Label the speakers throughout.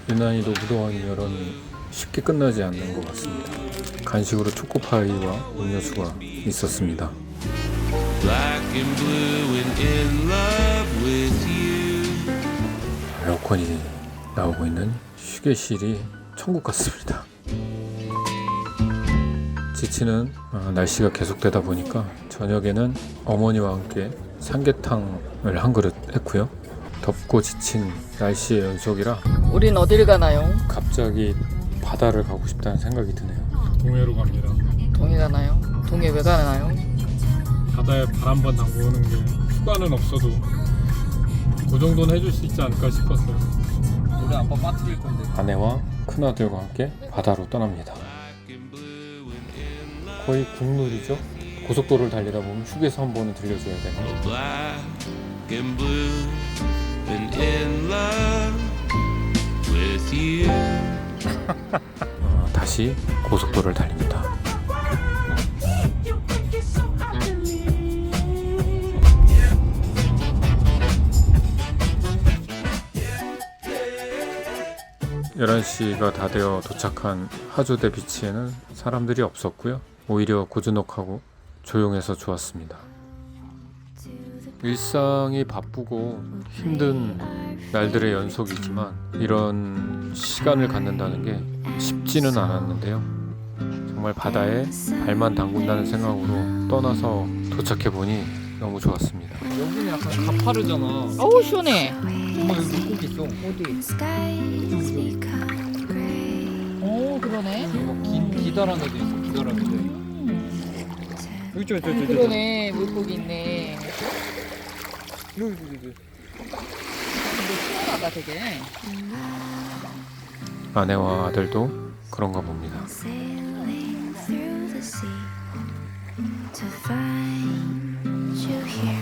Speaker 1: 유난히도 무더운 여름이 쉽게 끝나지 않는 것 같습니다. 간식으로 초코파이와 음료수가 있었습니다. 에어컨이 나오고 있는 휴게실이 천국 같습니다. 지치는 날씨가 계속되다 보니까 저녁에는 어머니와 함께 삼계탕을 한 그릇 했고요. 덥고 지친 날씨의 연속이라
Speaker 2: 우린 어딜 가나요?
Speaker 1: 갑자기 바다를 가고 싶다는 생각이 드네요. 동해로 갑니다.
Speaker 2: 동해 가나요? 동해 왜 가나요?
Speaker 1: 바다에 발 한 번 담그는 게 휴가는 없어도 그 정도는 해줄 수 있지 않을까 싶었어요.
Speaker 3: 우리 아빠 빠뜨릴 건데.
Speaker 1: 아내와 큰아들과 함께 바다로 떠납니다. 거의 국룰이죠. 고속도로를 달리다 보면 휴게소 한 번은 들려줘야 되는. 다시 고속도로를 달립니다. (11) 시가 다 되어 도착한 하조대 비치에는 사람들이 없었고요. 오히려 고즈넉하고 조용해서 좋았습니다. 일상이 바쁘고 힘든 날들의 연속이지만 이런 시간을 갖는다는 게 쉽지는 않았는데요. 정말 바다에 발만 담근다는 생각으로 떠나서 도착해보니 너무 좋았습니다.
Speaker 3: 여기는 약간 가파르잖아.
Speaker 2: 어우 시원해.
Speaker 3: 엄마 여기 물고기 있어.
Speaker 2: 어디? 오 그러네.
Speaker 3: 기다란 애도 있어. 기다란 애들. 여기 저.
Speaker 2: 그러네 물고기 있네.
Speaker 3: 여기.
Speaker 2: 근데 시원하다 되게.
Speaker 1: 아내와 아들도 그런가 봅니다.
Speaker 4: Sailing through the sea to find you here,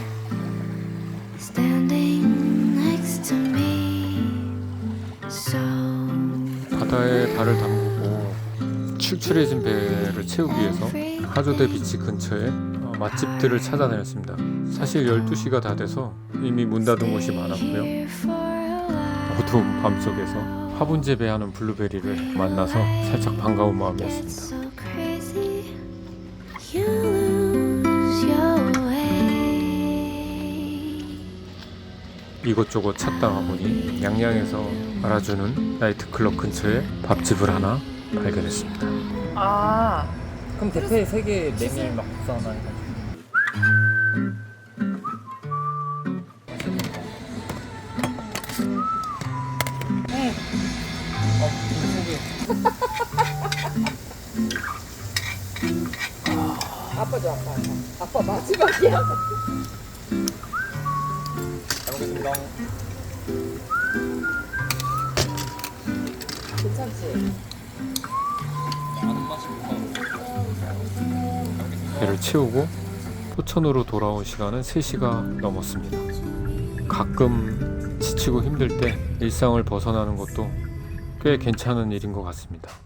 Speaker 4: standing next to me. So
Speaker 1: 바다에 발을 담그고 출출해진 배를 채우기 위해서 하조대 비치 근처에 맛집들을 찾아다녔습니다. 사실 12시가 다 돼서 이미 문 닫은 곳이 많았고요.
Speaker 4: here for a while.
Speaker 1: 어두운 밤속에서 화분 재배하는 블루베리를 만나서 살짝 반가운
Speaker 4: Get
Speaker 1: 마음이었습니다.
Speaker 4: so crazy, you lose your way.
Speaker 1: 이곳저곳 찾다가 보니 양양에서 알아주는 나이트클럽 근처에 밥집을 하나 발견했습니다.
Speaker 2: 아
Speaker 3: 그럼 대패 3개 메밀 막 국수 하나 해가지고.
Speaker 2: 아빠 줘 아빠. 아빠 마지막이야.
Speaker 3: 잘 먹겠습니다.
Speaker 2: 괜찮지?
Speaker 3: 아는 맛이 못
Speaker 1: 배를 채우고 포천으로 돌아온 시간은 3시가 넘었습니다. 가끔 지치고 힘들 때 일상을 벗어나는 것도 꽤 괜찮은 일인 것 같습니다.